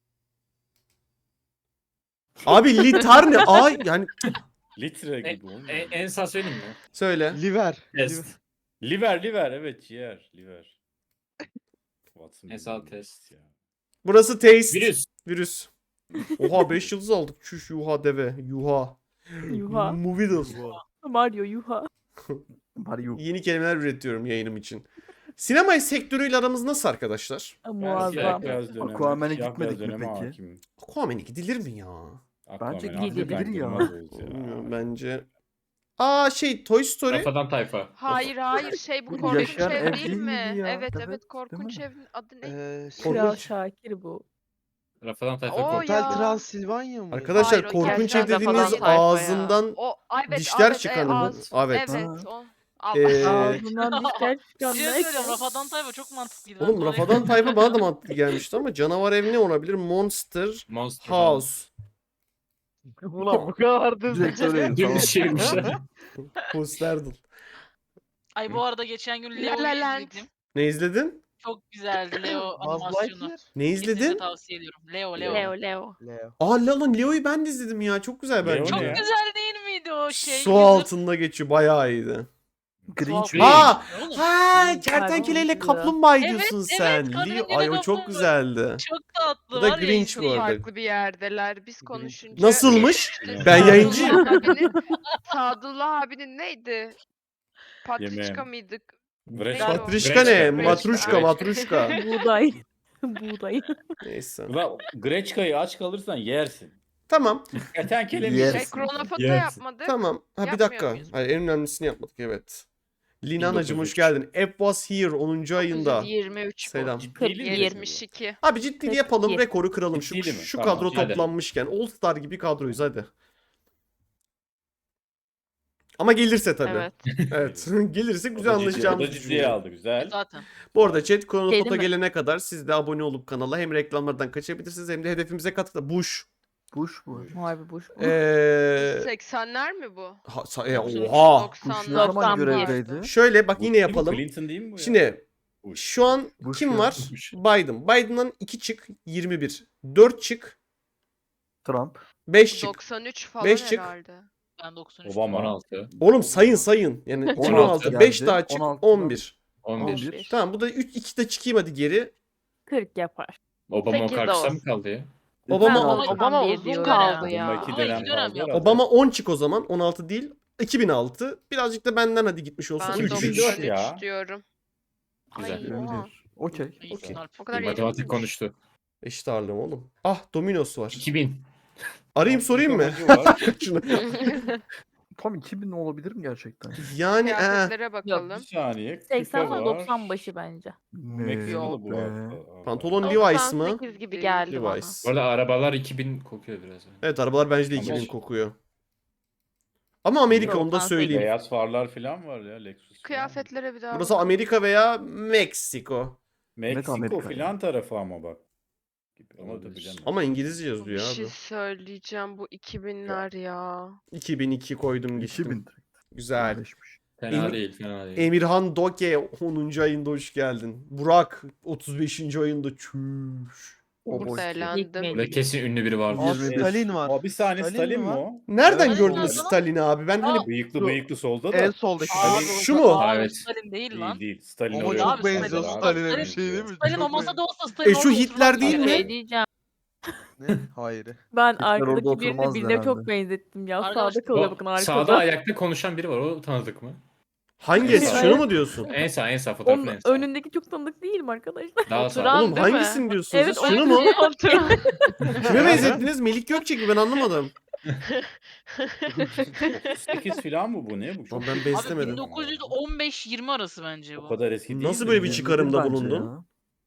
[SPEAKER 1] Abi litar ne? Ay yani
[SPEAKER 2] Litre
[SPEAKER 6] E,
[SPEAKER 2] gibi olmuyor.
[SPEAKER 6] e, en sağ söyleyeyim mi?
[SPEAKER 1] söyle.
[SPEAKER 5] Liver.
[SPEAKER 6] Test.
[SPEAKER 2] Liver, liver. Evet, ciğer. Liver. Watson
[SPEAKER 6] Hesap
[SPEAKER 2] bilmiyorum
[SPEAKER 6] test.
[SPEAKER 2] ya.
[SPEAKER 1] Burası taste.
[SPEAKER 6] Virüs.
[SPEAKER 1] Virüs. Oha, beş yıldız aldık. Çüş, yuha deve. Yuha.
[SPEAKER 7] Yuha.
[SPEAKER 1] Movidal.
[SPEAKER 7] Mario yuha.
[SPEAKER 9] Mario.
[SPEAKER 1] Yeni kelimeler üretiyorum yayınım için. Sinema sektörüyle aramız nasıl arkadaşlar?
[SPEAKER 2] Ben
[SPEAKER 7] Muazzam.
[SPEAKER 2] siyah beyaz döneme,
[SPEAKER 9] Aquaman'e
[SPEAKER 2] siyah
[SPEAKER 9] gitmedik
[SPEAKER 2] beyaz
[SPEAKER 9] mi
[SPEAKER 2] döneme
[SPEAKER 9] peki?
[SPEAKER 2] hakimim.
[SPEAKER 1] Aquaman'e gidilir mi ya?
[SPEAKER 9] Bence
[SPEAKER 2] Aquaman
[SPEAKER 7] gidilir
[SPEAKER 2] hakikaten
[SPEAKER 9] ya.
[SPEAKER 2] girmez oldu ya.
[SPEAKER 1] Bilmiyorum, bence. Aa şey, Toy Story.
[SPEAKER 6] Rafadan tayfa.
[SPEAKER 4] Hayır hayır şey bu
[SPEAKER 9] Bu
[SPEAKER 4] korkunç
[SPEAKER 9] yaşayan
[SPEAKER 4] ev
[SPEAKER 9] ev
[SPEAKER 4] değil
[SPEAKER 9] değil
[SPEAKER 4] mi?
[SPEAKER 9] miydi ya?
[SPEAKER 4] Evet
[SPEAKER 9] Evet,
[SPEAKER 4] evet
[SPEAKER 9] değil
[SPEAKER 4] korkunç
[SPEAKER 9] mi?
[SPEAKER 4] evin adı ne?
[SPEAKER 5] Ee, şey,
[SPEAKER 7] Kral
[SPEAKER 1] Korkunç.
[SPEAKER 7] Şakir bu.
[SPEAKER 6] Rafadan tayfa
[SPEAKER 4] O
[SPEAKER 6] korkunç.
[SPEAKER 4] ya.
[SPEAKER 5] Hotel Transilvanya mı?
[SPEAKER 1] Arkadaşlar,
[SPEAKER 4] Hayır, o
[SPEAKER 1] korkunç
[SPEAKER 4] gerçekten
[SPEAKER 1] ev dediğiniz
[SPEAKER 4] Rafadan tayfa ya.
[SPEAKER 1] ağzından
[SPEAKER 4] O ay, evet,
[SPEAKER 1] dişler
[SPEAKER 4] evet,
[SPEAKER 1] çıkan
[SPEAKER 4] e,
[SPEAKER 1] mı?
[SPEAKER 4] ağız-
[SPEAKER 1] Evet.
[SPEAKER 4] Evet
[SPEAKER 9] Ha.
[SPEAKER 4] o. Allah.
[SPEAKER 1] Ee,
[SPEAKER 7] Ağzından dişler
[SPEAKER 8] bir
[SPEAKER 7] çıkan
[SPEAKER 8] şey
[SPEAKER 7] ne?
[SPEAKER 8] söyleyeceğim. Rafadan Tayfa çok mantıklıydı.
[SPEAKER 1] Oğlum
[SPEAKER 8] Ben de
[SPEAKER 1] Rafadan tayfa bana da mantıklı gelmişti ama canavar ev ne olabilir? Monster
[SPEAKER 6] Monster
[SPEAKER 1] House.
[SPEAKER 5] Ulan bu kadar
[SPEAKER 9] Direkt söyleyin.
[SPEAKER 6] Dümdüz
[SPEAKER 9] Tamam.
[SPEAKER 6] çevirmişler.
[SPEAKER 1] Posterdal.
[SPEAKER 8] Ay bu arada geçen gün
[SPEAKER 4] La
[SPEAKER 8] Leo'yu
[SPEAKER 4] La Land.
[SPEAKER 8] izledim.
[SPEAKER 1] Ne izledin?
[SPEAKER 8] Çok güzeldi Leo
[SPEAKER 5] Buzz
[SPEAKER 8] animasyonu.
[SPEAKER 5] Lightyear.
[SPEAKER 1] Ne
[SPEAKER 8] Kesinlikle
[SPEAKER 1] izledin?
[SPEAKER 8] tavsiye ediyorum. Leo Leo.
[SPEAKER 3] Leo Leo.
[SPEAKER 5] Leo.
[SPEAKER 1] Aa lan, Leo'yu ben de izledim ya. Çok güzel
[SPEAKER 2] Leo
[SPEAKER 1] bence.
[SPEAKER 2] ne
[SPEAKER 8] Çok
[SPEAKER 2] ya?
[SPEAKER 8] güzel değil miydi o şey?
[SPEAKER 1] Su
[SPEAKER 8] Wizard-
[SPEAKER 1] altında geçiyor. Bayağı iyiydi.
[SPEAKER 9] Grinch.
[SPEAKER 6] Grinch.
[SPEAKER 1] Ha!
[SPEAKER 8] Oğlum,
[SPEAKER 1] Ha, kertenkeleyle
[SPEAKER 7] Hayvan
[SPEAKER 1] kaplumbağa
[SPEAKER 8] Evet,
[SPEAKER 1] diyorsun
[SPEAKER 8] evet,
[SPEAKER 1] sen.
[SPEAKER 8] kardenkele
[SPEAKER 1] Leo, ay o çok
[SPEAKER 8] kaplumbağa.
[SPEAKER 1] güzeldi.
[SPEAKER 8] Çok tatlı
[SPEAKER 1] Bu da
[SPEAKER 8] var ya.
[SPEAKER 1] Grinch bu
[SPEAKER 8] izleyin.
[SPEAKER 1] arada.
[SPEAKER 4] Farklı bir yerdeler. Biz konuşunca.
[SPEAKER 1] Nasılmış?
[SPEAKER 4] İşte
[SPEAKER 1] Ben
[SPEAKER 4] Sadullah
[SPEAKER 1] yayıncıyım.
[SPEAKER 4] abinin- Sadullah abinin neydi? Patriçka
[SPEAKER 2] Yemeğim.
[SPEAKER 4] mıydık?
[SPEAKER 2] Breş-
[SPEAKER 4] Neydi o?
[SPEAKER 1] Patrişka ne?
[SPEAKER 6] Greçka,
[SPEAKER 1] Matruşka,
[SPEAKER 6] Greçka.
[SPEAKER 1] matruşka.
[SPEAKER 7] Buğday. Buğday.
[SPEAKER 1] Neyse.
[SPEAKER 2] Ulan Greçka'yı aç kalırsan yersin.
[SPEAKER 1] Şey
[SPEAKER 2] Kertenkele mi
[SPEAKER 9] Yes.
[SPEAKER 4] Şey,
[SPEAKER 2] yersin?
[SPEAKER 4] kronofoto
[SPEAKER 6] Yes.
[SPEAKER 4] yapmadık.
[SPEAKER 1] Tamam. Ha bir
[SPEAKER 4] Yapmıyor
[SPEAKER 1] dakika.
[SPEAKER 4] muyuz?
[SPEAKER 1] Hayır, en önemlisini yapmadık, evet. Linanacım hoş
[SPEAKER 2] dokuz yüz üç.
[SPEAKER 1] geldin. App was here onuncu ayında.
[SPEAKER 4] yirmi üç bu.
[SPEAKER 1] Selam.
[SPEAKER 2] Ciddili mi?
[SPEAKER 4] yetmiş iki.
[SPEAKER 1] Abi ciddi yapalım,
[SPEAKER 7] iki.
[SPEAKER 1] rekoru kıralım. Şu,
[SPEAKER 2] Ciddili mi?
[SPEAKER 1] şu
[SPEAKER 2] Tamam,
[SPEAKER 1] kadro
[SPEAKER 6] hadi.
[SPEAKER 1] toplanmışken. All Star gibi kadroyuz hadi. Ama gelirse tabii.
[SPEAKER 3] Evet.
[SPEAKER 1] Evet. Gelirse
[SPEAKER 2] O da
[SPEAKER 1] güzel
[SPEAKER 2] ciddi-
[SPEAKER 1] anlaşacağımızı
[SPEAKER 2] O da ciddiye
[SPEAKER 1] düşünüyorum.
[SPEAKER 2] aldı, güzel.
[SPEAKER 8] Zaten.
[SPEAKER 1] Bu arada chat Kronofoto
[SPEAKER 7] Geldi mi?
[SPEAKER 1] gelene kadar siz de abone olup kanala hem reklamlardan kaçabilirsiniz hem de hedefimize katılın. Bush.
[SPEAKER 9] Bush bu.
[SPEAKER 7] Harbi bu.
[SPEAKER 1] Ee,
[SPEAKER 4] seksenler mi bu?
[SPEAKER 1] ha, sa- e,
[SPEAKER 4] Yoksa
[SPEAKER 1] oha.
[SPEAKER 9] Bush ne
[SPEAKER 4] doksanlar.
[SPEAKER 9] zaman
[SPEAKER 7] doksan bir.
[SPEAKER 9] görevdeydi?
[SPEAKER 1] Şöyle bak,
[SPEAKER 2] Bu
[SPEAKER 1] yine
[SPEAKER 2] kim?
[SPEAKER 1] yapalım.
[SPEAKER 2] Clinton değil mi bu ya?
[SPEAKER 1] Şimdi
[SPEAKER 2] Bush.
[SPEAKER 1] şu an
[SPEAKER 9] Bush
[SPEAKER 1] kim
[SPEAKER 9] ya.
[SPEAKER 1] var?
[SPEAKER 6] Bush.
[SPEAKER 1] Biden. Biden'dan iki çık yirmi bir. dört çık.
[SPEAKER 9] Trump.
[SPEAKER 1] beş çık.
[SPEAKER 4] doksan üç falan
[SPEAKER 1] Beş çık.
[SPEAKER 4] herhalde.
[SPEAKER 8] Ben doksan üç.
[SPEAKER 2] Obama.
[SPEAKER 6] on altı.
[SPEAKER 1] Oğlum sayın sayın. Yani iki bin on altı.
[SPEAKER 9] geldi.
[SPEAKER 1] beş daha çık
[SPEAKER 9] on altıdan
[SPEAKER 1] on bir.
[SPEAKER 6] on bir.
[SPEAKER 9] on bir.
[SPEAKER 1] Tamam, bu da üç iki de çıkayım hadi geri.
[SPEAKER 7] kırk yapar.
[SPEAKER 6] Obama o
[SPEAKER 3] Sekiz de
[SPEAKER 6] karşıda mı
[SPEAKER 3] olsun.
[SPEAKER 6] kaldı ya?
[SPEAKER 1] Obama
[SPEAKER 7] Ben
[SPEAKER 1] Obama,
[SPEAKER 4] Obama
[SPEAKER 7] bir
[SPEAKER 4] uzun
[SPEAKER 7] diyorum.
[SPEAKER 4] kaldı
[SPEAKER 2] Obama
[SPEAKER 4] ya.
[SPEAKER 2] iki
[SPEAKER 8] Ama
[SPEAKER 2] dönem
[SPEAKER 8] iki dönem
[SPEAKER 2] kaldı
[SPEAKER 8] yaptı.
[SPEAKER 2] herhalde.
[SPEAKER 1] on çık o zaman. on altı değil. iki bin altı. Birazcık da benden hadi gitmiş olsun.
[SPEAKER 4] Ben
[SPEAKER 2] üç bin
[SPEAKER 1] üç.
[SPEAKER 2] dört
[SPEAKER 4] doksan üç
[SPEAKER 2] ya.
[SPEAKER 4] diyorum.
[SPEAKER 6] Güzel.
[SPEAKER 4] Ay,
[SPEAKER 9] yirmi
[SPEAKER 4] oha.
[SPEAKER 9] bir. Okey.
[SPEAKER 8] İyi,
[SPEAKER 1] Okey.
[SPEAKER 8] Alp.
[SPEAKER 4] O kadar
[SPEAKER 6] Bir
[SPEAKER 4] iyi
[SPEAKER 6] matematik
[SPEAKER 4] değilmiş.
[SPEAKER 6] konuştu.
[SPEAKER 1] Eşit ağırlığım oğlum. Ah, Dominos var.
[SPEAKER 6] iki bin.
[SPEAKER 1] Arayayım sorayım mı?
[SPEAKER 2] Amacı var.
[SPEAKER 1] Şunu.
[SPEAKER 9] Tam iki bin olabilir mi gerçekten?
[SPEAKER 1] Yani ee,
[SPEAKER 4] Kıyafetlere
[SPEAKER 2] Bir
[SPEAKER 4] bakalım.
[SPEAKER 2] saniye. küpe
[SPEAKER 7] seksen
[SPEAKER 2] var.
[SPEAKER 7] doksan başı bence.
[SPEAKER 2] Meksikalı bu
[SPEAKER 9] be.
[SPEAKER 2] arada.
[SPEAKER 1] pantolon Levi's mı?
[SPEAKER 3] doksan sekiz gibi geldi bana.
[SPEAKER 1] Levi's.
[SPEAKER 6] Bu arada arabalar iki bin kokuyor biraz.
[SPEAKER 1] Evet, arabalar bence de
[SPEAKER 2] Ama
[SPEAKER 1] iki bin
[SPEAKER 2] şey-
[SPEAKER 1] kokuyor. Ama Amerika, onu da
[SPEAKER 7] doksan sekiz.
[SPEAKER 1] söyleyeyim.
[SPEAKER 2] Beyaz farlar falan var ya Lexus. falan.
[SPEAKER 4] Kıyafetlere bir daha
[SPEAKER 1] Burası
[SPEAKER 4] bakalım.
[SPEAKER 1] Amerika veya Meksiko.
[SPEAKER 2] Meksiko
[SPEAKER 9] Amerika
[SPEAKER 2] filan tarafı ama bak. gibi. Ama da
[SPEAKER 6] Olabilir.
[SPEAKER 2] bilemem.
[SPEAKER 1] Ama İngilizce
[SPEAKER 4] Bir
[SPEAKER 1] yazıyor
[SPEAKER 4] şey
[SPEAKER 1] abi.
[SPEAKER 4] söyleyeceğim, bu iki binler ya.
[SPEAKER 1] iki bin iki koydum
[SPEAKER 9] iki
[SPEAKER 1] gittim.
[SPEAKER 9] bin direkt.
[SPEAKER 1] Güzel.
[SPEAKER 9] Birleşmiş.
[SPEAKER 6] Fena
[SPEAKER 1] Emir-
[SPEAKER 6] değil, fena değil.
[SPEAKER 1] Emirhan Doke onuncu ayında hoş geldin. Burak otuz beşinci ayında çüş.
[SPEAKER 9] O
[SPEAKER 4] Burada
[SPEAKER 9] boş.
[SPEAKER 4] elendim.
[SPEAKER 6] Burada kesin ünlü biri vardır.
[SPEAKER 5] Aa,
[SPEAKER 9] yirmi bir.
[SPEAKER 5] Stalin var.
[SPEAKER 2] Aa, bir saniye
[SPEAKER 5] Stalin
[SPEAKER 2] Stalin,
[SPEAKER 5] mi
[SPEAKER 2] mi
[SPEAKER 5] var?
[SPEAKER 2] o?
[SPEAKER 1] Nereden
[SPEAKER 5] Evet,
[SPEAKER 1] gördünüz
[SPEAKER 8] nerede lan?
[SPEAKER 1] Stalin'i abi? Ben hani
[SPEAKER 2] Bıyıklı
[SPEAKER 5] Şu-
[SPEAKER 2] bıyıklı solda da.
[SPEAKER 5] En soldaki
[SPEAKER 8] Aa,
[SPEAKER 5] Stalin.
[SPEAKER 8] o-
[SPEAKER 1] Şu mu?
[SPEAKER 8] Aa,
[SPEAKER 6] Evet.
[SPEAKER 8] o Stalin değil
[SPEAKER 2] Değil
[SPEAKER 8] lan.
[SPEAKER 2] değil. Stalin
[SPEAKER 5] Ama
[SPEAKER 2] öyle
[SPEAKER 5] çok
[SPEAKER 8] abi,
[SPEAKER 2] değil.
[SPEAKER 5] benziyor
[SPEAKER 8] Stalin-
[SPEAKER 5] Stalin'e bir
[SPEAKER 8] Stalin-
[SPEAKER 5] şey değil mi?
[SPEAKER 8] Stalin
[SPEAKER 5] Çok
[SPEAKER 8] olmasa
[SPEAKER 5] benziyor.
[SPEAKER 8] da olsa Stalin
[SPEAKER 1] E, şu
[SPEAKER 8] orada
[SPEAKER 1] Hitler
[SPEAKER 8] oturmaz
[SPEAKER 1] değil
[SPEAKER 8] yani.
[SPEAKER 1] mi?
[SPEAKER 7] Şey diyeceğim.
[SPEAKER 5] Ne? Hayır.
[SPEAKER 7] Ben
[SPEAKER 9] orada
[SPEAKER 7] arkadaki birini
[SPEAKER 9] oturmazdı
[SPEAKER 7] birine çok
[SPEAKER 9] herhalde.
[SPEAKER 7] benzettim ya.
[SPEAKER 8] Arkadaşlar,
[SPEAKER 7] Sağda kalıyor
[SPEAKER 6] O
[SPEAKER 7] bakın arkada.
[SPEAKER 6] sağda ayakta konuşan biri var. O tanıdık mı?
[SPEAKER 1] hangisi?
[SPEAKER 6] Evet.
[SPEAKER 1] Şunu mu diyorsun?
[SPEAKER 6] En sağ, en sağ fotoğrafın
[SPEAKER 7] Onun
[SPEAKER 6] en sağ.
[SPEAKER 7] önündeki çok tanıdık değil mi arkadaşlar?
[SPEAKER 6] Daha
[SPEAKER 3] Oturan-
[SPEAKER 6] sağ.
[SPEAKER 1] Oğlum
[SPEAKER 3] değil mi?
[SPEAKER 1] hangisini diyorsunuz?
[SPEAKER 7] Evet,
[SPEAKER 1] siz? Şunu mu?
[SPEAKER 3] Oturan.
[SPEAKER 1] Kime benzettiniz? Melik Gökçek mi? Ben anlamadım.
[SPEAKER 2] otuz sekiz falan mı bu? Ne bu?
[SPEAKER 1] Lan ben
[SPEAKER 8] Abi
[SPEAKER 1] beslemedim.
[SPEAKER 8] bin dokuz yüz on beş yirmi arası bence
[SPEAKER 2] O
[SPEAKER 8] bu.
[SPEAKER 2] kadar eski değil.
[SPEAKER 1] Nasıl
[SPEAKER 2] de.
[SPEAKER 1] böyle bir
[SPEAKER 9] yirmi bir
[SPEAKER 1] çıkarımda
[SPEAKER 9] bence
[SPEAKER 1] bulundun?
[SPEAKER 9] ya.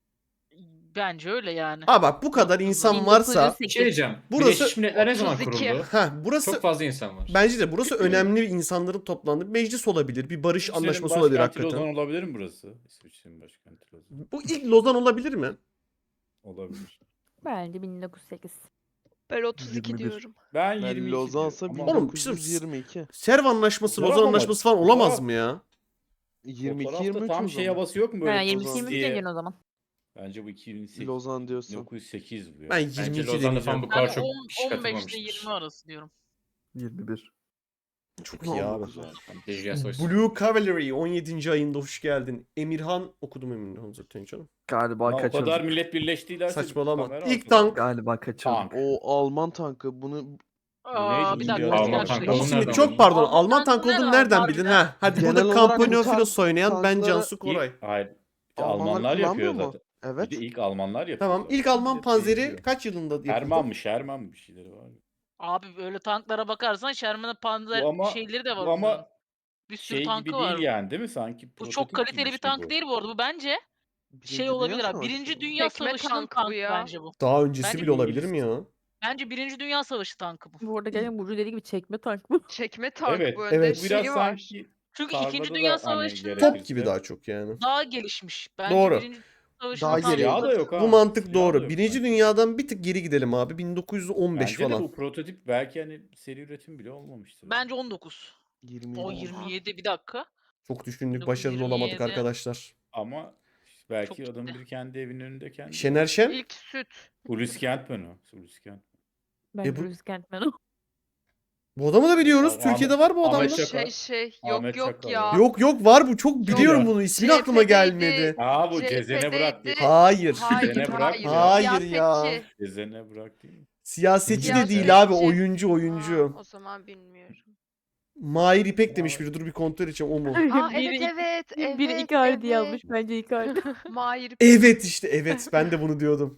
[SPEAKER 8] Bence öyle yani.
[SPEAKER 1] Ha bak bu kadar insan varsa
[SPEAKER 6] Bir şey diyeceğim.
[SPEAKER 1] Burası-
[SPEAKER 6] Birleşmiş Milletler ne zaman
[SPEAKER 4] otuz iki.
[SPEAKER 6] kuruldu?
[SPEAKER 1] ha burası
[SPEAKER 6] Çok fazla insan var.
[SPEAKER 1] bence de burası önemli insanların toplandığı bir meclis olabilir. Bir barış
[SPEAKER 2] İsviçre'nin
[SPEAKER 1] anlaşması olabilir
[SPEAKER 2] başkenti
[SPEAKER 1] hakikaten.
[SPEAKER 2] Lozan olabilir mi burası? İsviçre'nin başkenti Lozan.
[SPEAKER 1] Bu ilk Lozan olabilir mi?
[SPEAKER 2] Olabilir.
[SPEAKER 7] Bence bin dokuz yüz sekiz.
[SPEAKER 4] Ben otuz iki
[SPEAKER 9] yirmi bir.
[SPEAKER 4] diyorum.
[SPEAKER 2] Ben
[SPEAKER 5] Ben
[SPEAKER 2] yirmi iki
[SPEAKER 5] Lozan'sa
[SPEAKER 2] diyorum ama
[SPEAKER 1] Oğlum,
[SPEAKER 5] bin dokuz yüz yirmi iki.
[SPEAKER 1] Serv Anlaşması,
[SPEAKER 2] Fotoğraf
[SPEAKER 1] Lozan
[SPEAKER 2] ama-
[SPEAKER 1] Anlaşması falan olamaz
[SPEAKER 2] fotoğraf-
[SPEAKER 1] mı ya?
[SPEAKER 5] yirmi iki
[SPEAKER 2] fotoğrafta
[SPEAKER 5] yirmi üç
[SPEAKER 2] tam
[SPEAKER 5] o
[SPEAKER 2] şey
[SPEAKER 5] zaman.
[SPEAKER 2] havası yok mu böyle?
[SPEAKER 7] Ha,
[SPEAKER 5] Lozan
[SPEAKER 7] yirmi iki yirmi üç
[SPEAKER 2] diye?
[SPEAKER 7] diyeceksin o zaman.
[SPEAKER 2] Bence bu iki bin sekiz.
[SPEAKER 5] Lozan diyorsun.
[SPEAKER 2] bin dokuz yüz sekiz bu ya.
[SPEAKER 1] Ben
[SPEAKER 6] Bence
[SPEAKER 1] yirmi iki
[SPEAKER 6] Lozan'da falan
[SPEAKER 1] deneyeceğim.
[SPEAKER 6] bu
[SPEAKER 8] Ben
[SPEAKER 6] kadar çok
[SPEAKER 8] on-
[SPEAKER 6] kişi
[SPEAKER 8] on beşle
[SPEAKER 6] katılmamıştır.
[SPEAKER 8] yirmi arası diyorum.
[SPEAKER 9] yirmi bir.
[SPEAKER 1] Çok iyi abi.
[SPEAKER 6] Dejya Soysun.
[SPEAKER 1] Blue Cavalry on yedinci ayında hoş geldin. Emirhan okudum Emirhan zaten canım.
[SPEAKER 9] Galiba
[SPEAKER 2] Ama o kadar
[SPEAKER 9] kaçırdım.
[SPEAKER 2] millet birleştiylerse
[SPEAKER 1] Saçmalama.
[SPEAKER 2] kamera
[SPEAKER 1] İlk
[SPEAKER 2] altında.
[SPEAKER 1] tank.
[SPEAKER 9] Galiba kaçırdım.
[SPEAKER 2] Tank.
[SPEAKER 5] O Alman tankı bunu
[SPEAKER 8] Aa, bir dakika.
[SPEAKER 2] Alman
[SPEAKER 8] bir dakika.
[SPEAKER 6] tankı
[SPEAKER 8] Şimdi-
[SPEAKER 6] olduğunu
[SPEAKER 1] Şimdi
[SPEAKER 6] nereden
[SPEAKER 1] çok
[SPEAKER 6] bildin?
[SPEAKER 1] pardon.
[SPEAKER 8] Alman
[SPEAKER 1] Alman tank
[SPEAKER 8] tankı
[SPEAKER 1] olduğunu
[SPEAKER 8] nereden
[SPEAKER 1] nereden
[SPEAKER 8] harbiden?
[SPEAKER 1] bildin ha? Hadi
[SPEAKER 5] Genel
[SPEAKER 1] burada
[SPEAKER 5] olarak bu
[SPEAKER 1] Campagnofilos
[SPEAKER 5] tank-
[SPEAKER 1] oynayan ben
[SPEAKER 5] tankları-
[SPEAKER 1] Cansu Koray.
[SPEAKER 2] İlk, hayır. İşte
[SPEAKER 5] Almanlar
[SPEAKER 2] Almanlar yapıyor
[SPEAKER 5] kullanmıyor mu?
[SPEAKER 2] zaten.
[SPEAKER 5] Evet.
[SPEAKER 2] Bir de ilk Almanlar yapıyor.
[SPEAKER 1] Tamam.
[SPEAKER 2] zaten.
[SPEAKER 1] İlk Alman
[SPEAKER 2] Millet
[SPEAKER 1] panzeri
[SPEAKER 2] benziyor.
[SPEAKER 1] kaç yılında yapıldı?
[SPEAKER 2] Sherman mı? Sherman mı bir şeyleri var.
[SPEAKER 8] Abi böyle tanklara bakarsan Sherman'ın panzer
[SPEAKER 2] Bu ama-
[SPEAKER 8] şeyleri de var.
[SPEAKER 2] Bu ama
[SPEAKER 8] bunların. Bir sürü
[SPEAKER 2] şey
[SPEAKER 8] tankı
[SPEAKER 2] gibi
[SPEAKER 8] var.
[SPEAKER 2] değil yani değil mi sanki?
[SPEAKER 8] Bu
[SPEAKER 2] Prototip
[SPEAKER 8] çok
[SPEAKER 2] gibi
[SPEAKER 8] kaliteli bir
[SPEAKER 2] şey
[SPEAKER 8] tank
[SPEAKER 2] bu.
[SPEAKER 8] değil bu arada. Bu bence
[SPEAKER 5] Birinci
[SPEAKER 8] şey
[SPEAKER 5] Dünya
[SPEAKER 8] olabilir abi.
[SPEAKER 5] Savaşı
[SPEAKER 8] Birinci
[SPEAKER 5] mı?
[SPEAKER 8] Dünya
[SPEAKER 4] Tekme
[SPEAKER 8] Savaşı'nın
[SPEAKER 4] tank bu
[SPEAKER 8] tankı
[SPEAKER 4] ya.
[SPEAKER 8] bence bu.
[SPEAKER 1] Daha öncesi
[SPEAKER 8] Bence
[SPEAKER 1] bile olabilir mi
[SPEAKER 2] İngiliz.
[SPEAKER 1] ya?
[SPEAKER 8] Bence Birinci Dünya Savaşı tankı bu.
[SPEAKER 7] Bu arada gerçekten Burcu dediği gibi çekme tank bu.
[SPEAKER 4] Çekme tank
[SPEAKER 2] Evet,
[SPEAKER 4] bu önde
[SPEAKER 1] evet.
[SPEAKER 2] Bu biraz
[SPEAKER 4] şeyi var.
[SPEAKER 2] sanki
[SPEAKER 8] Çünkü
[SPEAKER 2] Karmada
[SPEAKER 8] İkinci
[SPEAKER 2] da
[SPEAKER 8] Dünya
[SPEAKER 2] hani
[SPEAKER 8] Savaşı'nda
[SPEAKER 2] gerek-
[SPEAKER 1] Top gibi daha çok yani.
[SPEAKER 8] daha gelişmiş. Bence
[SPEAKER 1] Doğru.
[SPEAKER 8] Birinci Dünya Savaşı'nın
[SPEAKER 5] Daha
[SPEAKER 8] tankı
[SPEAKER 5] geri-
[SPEAKER 2] silahı da
[SPEAKER 8] da-
[SPEAKER 2] yok ha.
[SPEAKER 1] Bu mantık
[SPEAKER 2] Silahı da
[SPEAKER 1] doğru.
[SPEAKER 2] yok
[SPEAKER 1] Birinci
[SPEAKER 2] sanki.
[SPEAKER 1] Dünyadan bir tık geri gidelim abi. bin dokuz yüz on beş
[SPEAKER 2] Bence de
[SPEAKER 1] falan.
[SPEAKER 2] bu prototip belki hani seri üretim bile olmamıştır.
[SPEAKER 8] Bence on dokuz.
[SPEAKER 5] yirmi
[SPEAKER 8] O
[SPEAKER 5] yedi.
[SPEAKER 8] yirmi yedi bir dakika.
[SPEAKER 1] Çok düşündük,
[SPEAKER 8] dokuz
[SPEAKER 1] başarılı olamadık
[SPEAKER 8] yirmi yedi.
[SPEAKER 1] arkadaşlar.
[SPEAKER 2] Ama belki
[SPEAKER 8] Çok
[SPEAKER 2] adam
[SPEAKER 8] ciddi.
[SPEAKER 2] bir kendi evinin önünde kendi.
[SPEAKER 1] Şener Şen?
[SPEAKER 4] İlk süt.
[SPEAKER 2] Hulusi Kentmen o. Hulusi Kent.
[SPEAKER 7] Ben
[SPEAKER 1] E bu-
[SPEAKER 7] Bruce Kentman o.
[SPEAKER 1] Bu adamı da biliyoruz.
[SPEAKER 2] Ahmet-
[SPEAKER 1] Yok var bu
[SPEAKER 2] Ahmet
[SPEAKER 1] adamda.
[SPEAKER 2] Çakar.
[SPEAKER 4] Şey şey yok
[SPEAKER 2] Ahmet
[SPEAKER 4] yok
[SPEAKER 2] Çakar
[SPEAKER 4] ya.
[SPEAKER 2] var.
[SPEAKER 1] Yok yok var bu. Çok biliyorum
[SPEAKER 2] ya.
[SPEAKER 1] bunu. İsmi aklıma
[SPEAKER 4] Cephedeydi.
[SPEAKER 1] gelmedi.
[SPEAKER 2] Aa bu
[SPEAKER 4] C H
[SPEAKER 2] Cezene Bırak değil.
[SPEAKER 4] P'deydi.
[SPEAKER 1] Hayır.
[SPEAKER 4] Hayır,
[SPEAKER 2] Cezene Bırak
[SPEAKER 4] hayır.
[SPEAKER 2] mı?
[SPEAKER 1] Hayır ya.
[SPEAKER 4] Siyasetçi.
[SPEAKER 2] Cezene Bırak değil mi?
[SPEAKER 1] Siyasetçi de
[SPEAKER 4] Siyasetçi.
[SPEAKER 1] değil abi. Oyuncu oyuncu.
[SPEAKER 4] Aa, o zaman bilmiyorum.
[SPEAKER 1] Mahir İpek demiş biri. Dur bir kontrol edeceğim o mu?
[SPEAKER 4] Aa
[SPEAKER 7] Biri
[SPEAKER 4] evet evet evet.
[SPEAKER 7] Biri Icardi
[SPEAKER 4] evet.
[SPEAKER 7] yazmış. Bence Icardi.
[SPEAKER 4] Mahir
[SPEAKER 1] Evet işte evet. Ben de bunu diyordum.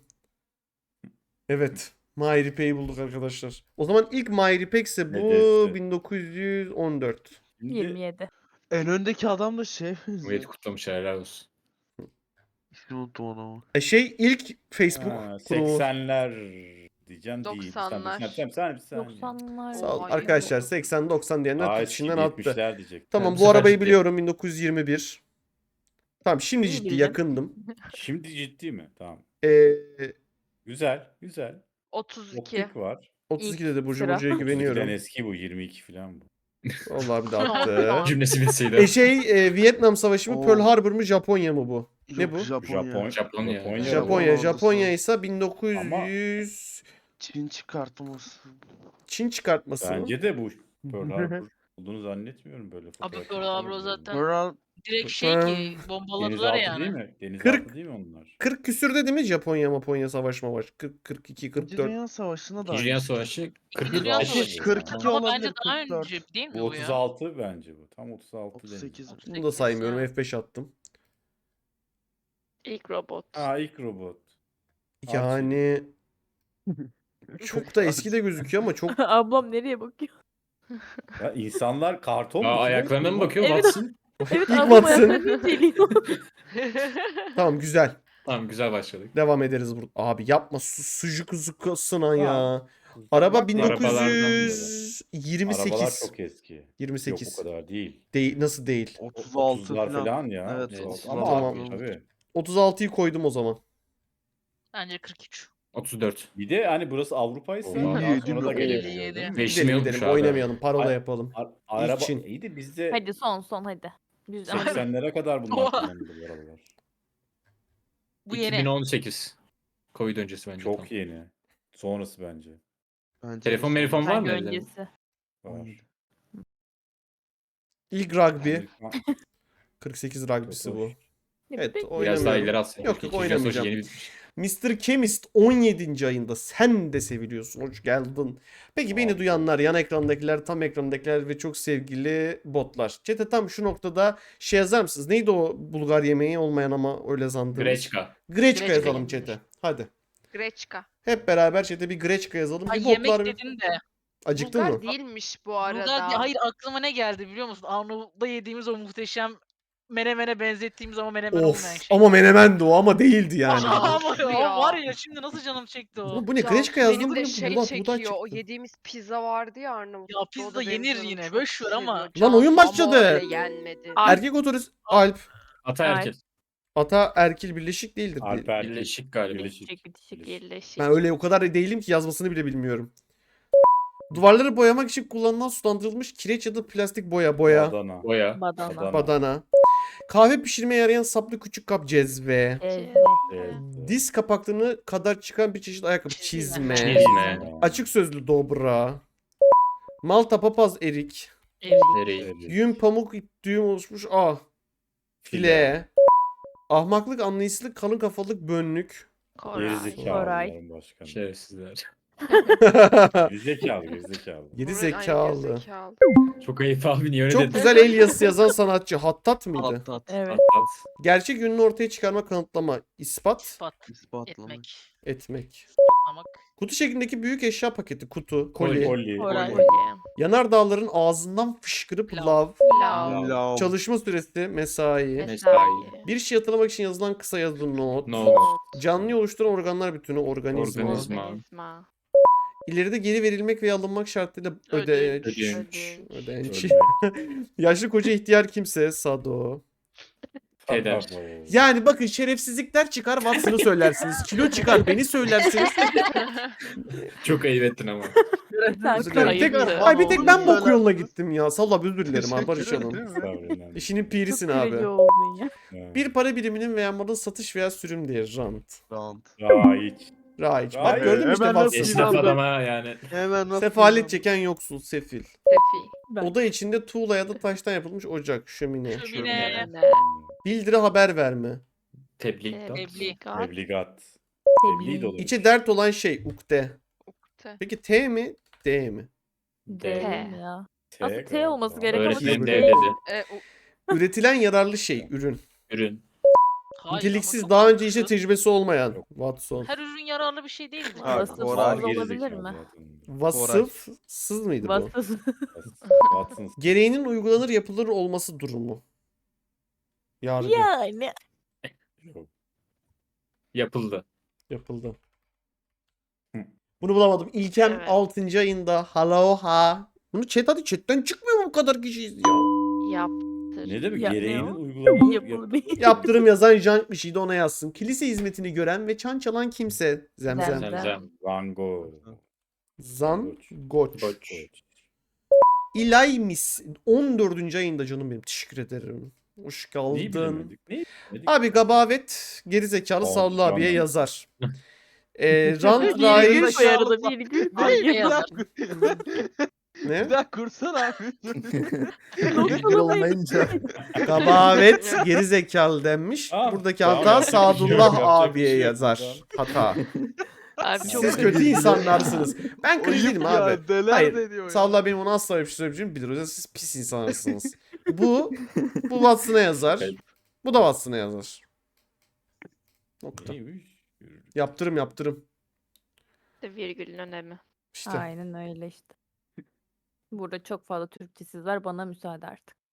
[SPEAKER 1] Evet. Mahir İpek'i bulduk arkadaşlar. O zaman ilk Mahir İpek ise bu
[SPEAKER 2] Hedefti.
[SPEAKER 1] bin dokuz yüz on dört.
[SPEAKER 2] Şimdi
[SPEAKER 7] yirmi yedi.
[SPEAKER 5] En öndeki adam da şey
[SPEAKER 6] Cumhuriyeti
[SPEAKER 5] benziyor.
[SPEAKER 6] kutlamış helal olsun.
[SPEAKER 5] İsmini unuttum adamı.
[SPEAKER 1] E şey ilk Facebook
[SPEAKER 2] ha,
[SPEAKER 1] kurumu.
[SPEAKER 2] seksenler diyeceğim değil.
[SPEAKER 4] doksanlar.
[SPEAKER 2] Sen, sen, sen, sen,
[SPEAKER 7] doksanlar.
[SPEAKER 1] Sağ ol.
[SPEAKER 4] Ay,
[SPEAKER 1] Arkadaşlar
[SPEAKER 4] yok.
[SPEAKER 1] seksen doksan diyenler
[SPEAKER 2] Aa,
[SPEAKER 1] kırk içinden attı.
[SPEAKER 2] yetmişler diyecek.
[SPEAKER 1] Tamam
[SPEAKER 6] bu
[SPEAKER 1] bu
[SPEAKER 6] sefer
[SPEAKER 1] arabayı
[SPEAKER 6] ciddi.
[SPEAKER 1] biliyorum bin dokuz yüz yirmi bir. Tamam şimdi
[SPEAKER 7] İyi
[SPEAKER 1] ciddi
[SPEAKER 7] bildin.
[SPEAKER 1] yakındım.
[SPEAKER 2] Şimdi ciddi mi? Tamam.
[SPEAKER 1] Ee,
[SPEAKER 2] Güzel, güzel.
[SPEAKER 4] otuz iki.
[SPEAKER 2] Optik var.
[SPEAKER 1] otuz ikide de Burcu
[SPEAKER 7] sıra.
[SPEAKER 1] Burcu'ya
[SPEAKER 2] otuz ikiden
[SPEAKER 1] güveniyorum.
[SPEAKER 2] eski bu, yirmi iki falan bu.
[SPEAKER 1] Vallahi bir de attı.
[SPEAKER 6] Cümlesi bilseydi.
[SPEAKER 1] e şey e, Vietnam Savaşı mı
[SPEAKER 5] Oo.
[SPEAKER 1] Pearl Harbor mu Japonya mı bu? Ne
[SPEAKER 5] Yok,
[SPEAKER 1] bu?
[SPEAKER 5] Japonya.
[SPEAKER 2] Japon,
[SPEAKER 6] Japonya.
[SPEAKER 2] Japonya.
[SPEAKER 1] Japonya.
[SPEAKER 5] ordusu.
[SPEAKER 1] Japonya ise bin dokuz yüz
[SPEAKER 5] Çin çıkartması.
[SPEAKER 1] Çin çıkartması mı?
[SPEAKER 2] Bence de bu Pearl Harbor olduğunu zannetmiyorum böyle
[SPEAKER 8] Abi
[SPEAKER 2] fotoğraflar
[SPEAKER 8] Pearl
[SPEAKER 2] falan
[SPEAKER 8] Harbor
[SPEAKER 2] böyle.
[SPEAKER 8] zaten
[SPEAKER 5] Pearl
[SPEAKER 8] direkt şey ki bombaladılar
[SPEAKER 2] Denizaltı değil
[SPEAKER 8] yani.
[SPEAKER 2] mi? Denizaltı
[SPEAKER 1] kırk
[SPEAKER 2] değil mi onlar?
[SPEAKER 1] kırk küsürde değil mi Japonya Japonya savaş mavaş? kırk, kırk iki,
[SPEAKER 5] İkinci
[SPEAKER 1] kırk dört.
[SPEAKER 5] Dünya Savaşı'na da
[SPEAKER 6] İkinci Dünya
[SPEAKER 5] aynı.
[SPEAKER 6] Savaşı kırk
[SPEAKER 8] İkinci Dünya
[SPEAKER 6] beş.
[SPEAKER 8] Savaşı.
[SPEAKER 5] kırk iki
[SPEAKER 8] Ama
[SPEAKER 5] olabilir,
[SPEAKER 8] bence daha
[SPEAKER 5] kırk dört.
[SPEAKER 8] önce değil mi
[SPEAKER 2] Bu
[SPEAKER 8] bu ya?
[SPEAKER 2] otuz altı bence bu. Tam otuz altı
[SPEAKER 5] otuz
[SPEAKER 2] değil.
[SPEAKER 5] sekiz.
[SPEAKER 1] Bunu da saymıyorum.
[SPEAKER 8] Ha.
[SPEAKER 1] F beş attım.
[SPEAKER 4] İlk robot.
[SPEAKER 2] Aa ilk robot.
[SPEAKER 1] Yani çok da eski de gözüküyor ama çok
[SPEAKER 7] Ablam nereye bakıyor?
[SPEAKER 2] Ya insanlar karton mu?
[SPEAKER 6] Aa, ayaklarına mı bakıyor?
[SPEAKER 7] Evet.
[SPEAKER 6] Batsın.
[SPEAKER 7] Evet
[SPEAKER 1] İlk
[SPEAKER 7] ablam
[SPEAKER 1] Watson.
[SPEAKER 7] ayaklarını inceliyor.
[SPEAKER 1] tamam güzel.
[SPEAKER 6] Tamam güzel başladık.
[SPEAKER 1] Devam ederiz burada. Abi yapma su sucuk zukasına ya. Araba
[SPEAKER 2] Bak,
[SPEAKER 1] bin
[SPEAKER 2] arabalardan
[SPEAKER 1] dokuz yüz yirmi
[SPEAKER 2] Arabalar
[SPEAKER 1] sekiz.
[SPEAKER 2] çok eski.
[SPEAKER 1] yirmi
[SPEAKER 2] Yok
[SPEAKER 1] sekiz.
[SPEAKER 2] o kadar değil.
[SPEAKER 1] Değil, nasıl değil?
[SPEAKER 5] otuz altı
[SPEAKER 2] otuzlar
[SPEAKER 5] falan.
[SPEAKER 2] falan ya.
[SPEAKER 5] Evet,
[SPEAKER 2] otuz altı.
[SPEAKER 5] otuz
[SPEAKER 2] Ama
[SPEAKER 1] altı.
[SPEAKER 2] abi, tabii.
[SPEAKER 1] otuz altıyı koydum o zaman.
[SPEAKER 8] Bence kırk üç.
[SPEAKER 6] otuz dört.
[SPEAKER 2] Bir de hani burası Avrupa'ysa
[SPEAKER 6] Oo.
[SPEAKER 2] daha
[SPEAKER 5] Yedi
[SPEAKER 2] sonra da
[SPEAKER 5] mi?
[SPEAKER 2] gelebiliyor.
[SPEAKER 8] Elli
[SPEAKER 2] değil mi?
[SPEAKER 8] yedi.
[SPEAKER 6] Beşimi
[SPEAKER 1] Gidelim
[SPEAKER 6] yokmuş
[SPEAKER 1] gidelim
[SPEAKER 6] abi.
[SPEAKER 1] oynamayalım. Parola
[SPEAKER 2] Ay-
[SPEAKER 1] yapalım.
[SPEAKER 2] A- araba
[SPEAKER 1] Çin.
[SPEAKER 2] iyi de bizde
[SPEAKER 7] Hadi son son hadi. Biz ama
[SPEAKER 2] seksenlere kadar bunlar
[SPEAKER 8] Oha.
[SPEAKER 2] kullanıldı bu arabalar.
[SPEAKER 8] Bu yeni.
[SPEAKER 6] iki bin on sekiz. Covid öncesi bence.
[SPEAKER 2] Çok
[SPEAKER 6] tam.
[SPEAKER 2] yeni. Sonrası bence.
[SPEAKER 5] Bence
[SPEAKER 6] Telefon
[SPEAKER 5] de
[SPEAKER 6] telefon var mı
[SPEAKER 7] bence
[SPEAKER 6] elde?
[SPEAKER 7] öncesi.
[SPEAKER 2] Var.
[SPEAKER 1] İlk rugby.
[SPEAKER 2] Amerikan-
[SPEAKER 1] kırk sekiz rugby'si bu.
[SPEAKER 7] Ne
[SPEAKER 1] Evet
[SPEAKER 7] bileyim.
[SPEAKER 1] oynamıyorum.
[SPEAKER 6] Biraz daha ileri alsaydık.
[SPEAKER 1] Yok yok
[SPEAKER 6] İkinci yaz hoş
[SPEAKER 1] oynamayacağım.
[SPEAKER 6] Yeni bitmiş.
[SPEAKER 1] mister Chemist on yedinci ayında sen de seviliyorsun. Hoş geldin. Peki beni
[SPEAKER 2] Abi.
[SPEAKER 1] duyanlar, yan ekrandakiler, tam ekrandakiler ve çok sevgili botlar. Çete tam şu noktada şey yazar mısınız? Neydi o Bulgar yemeği olmayan ama öyle sandığımız?
[SPEAKER 6] Greçka.
[SPEAKER 1] Greçka
[SPEAKER 8] Greçka
[SPEAKER 1] yazalım
[SPEAKER 8] yenmiş.
[SPEAKER 1] çete. Hadi.
[SPEAKER 4] Greçka.
[SPEAKER 1] Hep beraber çete bir Greçka yazalım.
[SPEAKER 8] Ay
[SPEAKER 1] Bir
[SPEAKER 8] yemek
[SPEAKER 1] botlar.
[SPEAKER 8] dedin de.
[SPEAKER 1] Acıktın
[SPEAKER 4] Bulgar
[SPEAKER 1] mı?
[SPEAKER 4] değilmiş bu
[SPEAKER 8] Bulgar
[SPEAKER 4] arada.
[SPEAKER 8] diye- hayır aklıma ne geldi biliyor musun? Arnavut'ta yediğimiz o muhteşem menemene benzettiğimiz ama menemen olmayan
[SPEAKER 1] Of
[SPEAKER 8] şey.
[SPEAKER 1] ama menemendi o ama değildi yani.
[SPEAKER 4] Aa,
[SPEAKER 8] Ama
[SPEAKER 4] Of
[SPEAKER 8] ya,
[SPEAKER 4] ya.
[SPEAKER 8] var ya şimdi nasıl canım çekti o.
[SPEAKER 1] Oğlum bu ne
[SPEAKER 4] Cansu,
[SPEAKER 1] Greçka yazdım
[SPEAKER 4] benim
[SPEAKER 1] bu
[SPEAKER 4] de
[SPEAKER 1] ne?
[SPEAKER 4] şey
[SPEAKER 1] Buğday,
[SPEAKER 4] çekiyor.
[SPEAKER 1] buğday
[SPEAKER 4] O
[SPEAKER 1] çıktı.
[SPEAKER 4] yediğimiz pizza vardı ya Arnavut'ta.
[SPEAKER 8] Ya
[SPEAKER 4] o
[SPEAKER 8] pizza
[SPEAKER 4] da benim
[SPEAKER 8] yenir
[SPEAKER 4] canımı
[SPEAKER 8] yine,
[SPEAKER 4] çok
[SPEAKER 8] boş ver ama-
[SPEAKER 4] seviyor.
[SPEAKER 1] Lan oyun
[SPEAKER 4] Cansu, ama
[SPEAKER 1] başladı.
[SPEAKER 4] öyle yenmedi.
[SPEAKER 1] Erkek otorist Alp.
[SPEAKER 6] Ataerkil.
[SPEAKER 1] Ata erkil birleşik değildir.
[SPEAKER 2] Alper
[SPEAKER 6] Birleşik galiba.
[SPEAKER 2] Birleşik.
[SPEAKER 7] Bitişik bitişik.
[SPEAKER 4] Birleşik.
[SPEAKER 1] Ben öyle o kadar değilim ki yazmasını bile bilmiyorum. Duvarları boyamak için kullanılan sulandırılmış kireç ya da plastik boya boya.
[SPEAKER 2] Adana.
[SPEAKER 6] Boya.
[SPEAKER 7] Badana.
[SPEAKER 2] Badana.
[SPEAKER 1] Badana. Kahve pişirmeye yarayan saplı küçük kap cezve.
[SPEAKER 7] Evet.
[SPEAKER 2] Evet.
[SPEAKER 1] Diz kapaklarını kadar çıkan bir çeşit ayakkabı çizme.
[SPEAKER 6] Çizme.
[SPEAKER 1] Açık sözlü dobra. Malta papaz erik.
[SPEAKER 8] Evet.
[SPEAKER 6] Nereyi?
[SPEAKER 2] Evet.
[SPEAKER 1] Yün pamuk ip düğüm oluşmuş ah. File. Ahmaklık anlayışsızlık kalın kafalık bönlük.
[SPEAKER 4] Koray.
[SPEAKER 2] Gerizekalı
[SPEAKER 7] Koray.
[SPEAKER 2] bunların başkanı.
[SPEAKER 6] Şerefsizler.
[SPEAKER 2] Gerizekalı gerizekalı.
[SPEAKER 1] Geri
[SPEAKER 4] Buran- ay,
[SPEAKER 1] zekalı.
[SPEAKER 4] gerizekalı.
[SPEAKER 6] Çok ayıp abi niye öyle
[SPEAKER 1] Çok
[SPEAKER 6] dedin?
[SPEAKER 1] güzel el yazısı yazan sanatçı. Hattat mıydı?
[SPEAKER 5] Hattat.
[SPEAKER 7] Evet.
[SPEAKER 6] At, at.
[SPEAKER 1] Gerçek ününü ortaya çıkarma, kanıtlama, ispat
[SPEAKER 8] İspat
[SPEAKER 5] İspatlamak.
[SPEAKER 8] etmek.
[SPEAKER 1] etmek.
[SPEAKER 8] İspatlamak.
[SPEAKER 1] Kutu şeklindeki büyük eşya paketi, kutu, koli.
[SPEAKER 2] Koli.
[SPEAKER 7] Koray.
[SPEAKER 2] Koli.
[SPEAKER 1] Yanardağların ağzından fışkırıp
[SPEAKER 8] Lav.
[SPEAKER 1] lav.
[SPEAKER 4] Lav.
[SPEAKER 5] Lav.
[SPEAKER 1] Çalışma süresi, mesai.
[SPEAKER 4] Mesai.
[SPEAKER 1] Bir şey hatırlamak için yazılan kısa yazılı not.
[SPEAKER 6] Not.
[SPEAKER 1] Canlıyı oluşturan organlar bütünü, organizma.
[SPEAKER 6] Organizma.
[SPEAKER 4] Organizma.
[SPEAKER 1] İleride geri verilmek veya alınmak şartıyla ödeç.
[SPEAKER 6] Ödünç.
[SPEAKER 1] Ödeç.
[SPEAKER 2] Ölmek.
[SPEAKER 1] Yaşlı koca ihtiyar kimse, sado.
[SPEAKER 6] Peder.
[SPEAKER 1] Yani bakın şerefsizlikler çıkar Watson'ı söylersiniz. Kilo çıkar beni söylersiniz.
[SPEAKER 6] Çok ayıp ettin ama.
[SPEAKER 7] Sen
[SPEAKER 1] Özür dilerim. Tek,
[SPEAKER 4] Ayıptı.
[SPEAKER 1] ay bir tek ben bok
[SPEAKER 5] Söylersiniz.
[SPEAKER 1] yoluna gittim ya. Salla özür dilerim abi
[SPEAKER 5] Teşekkür
[SPEAKER 1] barışalım.
[SPEAKER 5] ederim.
[SPEAKER 1] İşinin pirisin
[SPEAKER 7] çok
[SPEAKER 1] abi.
[SPEAKER 7] kırıcı oldun ya.
[SPEAKER 1] Bir para biriminin veya malın satış veya sürüm değeri rant.
[SPEAKER 5] Rant.
[SPEAKER 2] Raiç.
[SPEAKER 1] Raiç. Bak
[SPEAKER 2] Raiç.
[SPEAKER 1] gördün mü işte
[SPEAKER 5] Hemen nasıl
[SPEAKER 1] Watson.
[SPEAKER 6] Esnaf
[SPEAKER 5] İnandım.
[SPEAKER 6] adama yani.
[SPEAKER 5] Hemen nasıl
[SPEAKER 1] Sefalet
[SPEAKER 5] inandım?
[SPEAKER 1] çeken yoksul, sefil.
[SPEAKER 4] Sefi.
[SPEAKER 7] Ben.
[SPEAKER 1] Oda içinde tuğla ya da taştan yapılmış ocak, şömine.
[SPEAKER 8] Şömine.
[SPEAKER 4] Ne?
[SPEAKER 1] Bildiri haber verme.
[SPEAKER 6] Tebliğ.
[SPEAKER 8] Tebliğ.
[SPEAKER 2] Tebligat.
[SPEAKER 7] Tebliğ.
[SPEAKER 2] Tebliğ de olur.
[SPEAKER 1] İçe dert olan şey ukde.
[SPEAKER 4] Ukde.
[SPEAKER 1] Peki T mi? D mi?
[SPEAKER 7] Değil
[SPEAKER 4] T.
[SPEAKER 7] ya.
[SPEAKER 2] T
[SPEAKER 7] Aslında T
[SPEAKER 2] galiba.
[SPEAKER 7] olması gerek ama
[SPEAKER 6] Öğretmenim
[SPEAKER 7] T
[SPEAKER 6] de
[SPEAKER 7] değil.
[SPEAKER 6] dedi.
[SPEAKER 4] E, u-
[SPEAKER 1] Üretilen yararlı şey, ürün.
[SPEAKER 6] Ürün.
[SPEAKER 8] Hayır ama
[SPEAKER 1] Niteliksiz
[SPEAKER 8] çok
[SPEAKER 1] daha önce
[SPEAKER 8] mantıklı.
[SPEAKER 1] işe tecrübesi olmayan.
[SPEAKER 2] Yok.
[SPEAKER 1] Watson.
[SPEAKER 8] Her ürün yararlı bir şey değil mi?
[SPEAKER 5] Ha,
[SPEAKER 7] Vasıfsız
[SPEAKER 5] Koray.
[SPEAKER 7] olabilir mi?
[SPEAKER 1] Vasıfsız mıydı bu?
[SPEAKER 7] Vasıfsız.
[SPEAKER 2] Watson.
[SPEAKER 1] Gereğinin uygulanır yapılır olması durumu. Yargı.
[SPEAKER 7] Yani.
[SPEAKER 2] Yok.
[SPEAKER 6] Yapıldı.
[SPEAKER 1] Yapıldı.
[SPEAKER 2] Hı.
[SPEAKER 1] Bunu bulamadım. İlkem
[SPEAKER 4] Evet.
[SPEAKER 1] altıncı ayında. Haloha. Bunu chat hadi chatten çıkmıyor mu bu kadar kişiyiz ya?
[SPEAKER 4] yaptır.
[SPEAKER 2] Ne demek?
[SPEAKER 7] Ya-
[SPEAKER 2] Gereğinin
[SPEAKER 7] ne o?
[SPEAKER 2] uygulanır.
[SPEAKER 7] Yapılı değil.
[SPEAKER 1] Yaptırım yazan jank bir şeydi ona yazsın. Kilise hizmetini gören ve çan çalan kimse. Zemzem.
[SPEAKER 7] Zemzem.
[SPEAKER 6] Zemzem.
[SPEAKER 2] Van Gogh.
[SPEAKER 1] Zan
[SPEAKER 2] Goç.
[SPEAKER 1] Goç.
[SPEAKER 6] Goç.
[SPEAKER 1] İlaymis. on dördüncü ayında canım benim. Teşekkür ederim. Hoş
[SPEAKER 2] Neyi
[SPEAKER 1] geldin.
[SPEAKER 2] bilemedik? Neyi bilemedik?
[SPEAKER 1] Abi gabavet gerizekalı
[SPEAKER 2] Tamam,
[SPEAKER 1] Sallı abiye
[SPEAKER 2] tamam.
[SPEAKER 1] yazar. Ee, rant
[SPEAKER 7] Bir
[SPEAKER 1] rahiç
[SPEAKER 7] virgül koy arada bir virgül.
[SPEAKER 8] Ay,
[SPEAKER 5] Bir
[SPEAKER 8] yazar.
[SPEAKER 5] dakika.
[SPEAKER 1] ne?
[SPEAKER 5] Bir daha kursana abi.
[SPEAKER 9] Virgül olmayınca.
[SPEAKER 1] Gabavet gerizekalı denmiş.
[SPEAKER 2] Ah,
[SPEAKER 1] Buradaki
[SPEAKER 2] tamam,
[SPEAKER 1] hata
[SPEAKER 2] yapacak bir şey yok,
[SPEAKER 1] Sadullah
[SPEAKER 2] yapacak bir
[SPEAKER 1] abiye
[SPEAKER 2] şey yok
[SPEAKER 1] yazar.
[SPEAKER 2] buradan.
[SPEAKER 1] Hata.
[SPEAKER 4] Abi çok
[SPEAKER 1] Siz kötü insanlarsınız. Ben kötü
[SPEAKER 5] Ayıp
[SPEAKER 1] değilim
[SPEAKER 5] ya,
[SPEAKER 1] abi.
[SPEAKER 5] neler
[SPEAKER 1] Hayır.
[SPEAKER 5] deniyor ya.
[SPEAKER 1] Sadullah benim ona asla bir şey söyleyeceğim bilir. O yüzden siz pis insanlarsınız. Bu bu Watson'a yazar.
[SPEAKER 6] Evet.
[SPEAKER 1] Bu da Watson'a yazar. Nokta.
[SPEAKER 2] Neymiş?
[SPEAKER 1] Yaptırım yaptırım.
[SPEAKER 4] virgülün önemi.
[SPEAKER 1] İşte.
[SPEAKER 7] Aynen öyle işte. Burada çok fazla Türkçesiz var. Bana müsaade artık.